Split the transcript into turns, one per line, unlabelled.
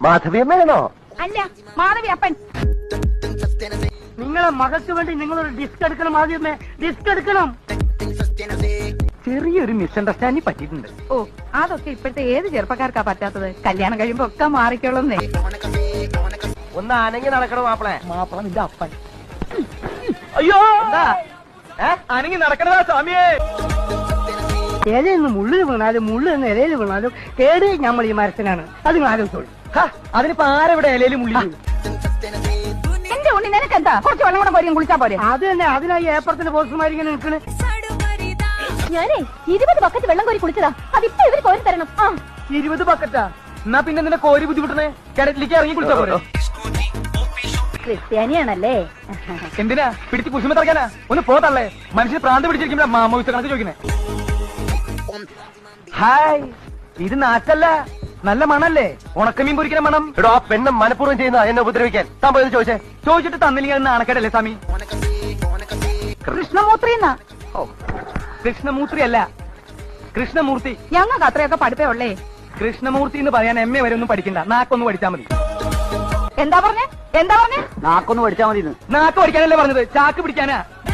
മാധവിയമ്മയാണോ?
അല്ല, മാധവി അപ്പൻ.
നിങ്ങളെ മകൾക്ക് വേണ്ടി നിങ്ങളൊരു ഡിസ്ക് എടുക്കണം. ആദ്യമേ ഡിസ്ക് എടുക്കണം. ചെറിയൊരു മിസ്അണ്ടർസ്റ്റാൻഡിങ് പറ്റിയിട്ടുണ്ട്.
ഓ, അതൊക്കെ ഇപ്പോഴത്തെ ഏത് ചെറുപ്പക്കാർക്കാ പറ്റാത്തത്? കല്യാണം കഴിയുമ്പോ ഒക്കെ മാറിക്കോളുന്നേ.
ഒന്ന് അനങ്ങി നടക്കണം മാപ്പിളെ.
മാപ്പിള നിന്റെ അപ്പൻ.
അയ്യോ അനങ്ങി നടക്കണതാ സ്വാമിയെ.
ഇലയിൽ നിന്ന് മുള്ളിൽ വീണാലും മുള്ളിൽ നിന്ന് ഇലയിൽ വീണാലും കേട് നമ്മൾ ഈ മരത്തിനാണ്. അത് നിങ്ങൾ ആലോചിച്ചോളൂ.
അതിനിപ്പോ ആരെവിടെ ഇലയിലും മുള്ളി?
എന്റെ ഉണ്ണി നിനക്കെന്താ? കുറച്ച് വെള്ളം കൂടെ പോരും, കുളിച്ചാ പോരെ?
അത് തന്നെ. അതിനായി ഏപ്പറത്തിന്റെ പോസ്റ്റർമാരിങ്ങനെ നിൽക്കണ്.
ഞാനേ 20 ബക്കറ്റ് വെള്ളം കോരി കുളിച്ചതാ. അതിപ്പോ ഇവര് കോരി തരണം.
20 ബക്കറ്റാ? എന്നാ പിന്നെ നിന്നെ കോരി ബുദ്ധിമുട്ടണേ. കിണറ്റിലേക്ക് ഇറങ്ങി കുളിച്ചാ പോരെ?
ക്രിസ്ത്യാനിയാണല്ലേ?
എന്തിനാ പിടിച്ച് കുശുമ തറക്കാനാ? ഒന്ന് പോതല്ലേ. മനുഷ്യന് പ്രാന്ത് പിടിച്ചിരിക്കുമ്പോ മാമോയിച്ച കണക്ക് ചോദിക്കണേ. ഹായ്, ഇത് നാറ്റല്ല, നല്ല മണല്ലേ? ഉണക്കമീൻ പൊരിക്കുന്ന മണം. എടോ, ആ പെണ്ണ് മനഃപൂർവ്വം ചെയ്യുന്ന എന്നെ ഉപദ്രവിക്കാൻ. താൻ പോയത് ചോദിച്ചേ. ചോദിച്ചിട്ട് തന്നില്ലെങ്കിൽ നാണക്കേടല്ലേ സ്വാമി?
കൃഷ്ണമൂർത്തി എന്നാ.
കൃഷ്ണമൂർത്തി അല്ല, കൃഷ്ണമൂർത്തി.
ഞങ്ങൾക്ക് അത്രയൊക്കെ പഠിപ്പേ ഉള്ളേ.
കൃഷ്ണമൂർത്തി എന്ന് പറയാൻ എം എ വരെ ഒന്നും പഠിക്കണ്ട. നാക്കൊന്ന് പഠിച്ചാ മതി.
എന്താ പറഞ്ഞേ?
നാക്കൊന്ന് പഠിച്ചാ മതി.
നാക്ക് പഠിക്കാനല്ലേ പറഞ്ഞത്? ചാക്ക് പിടിക്കാനാ?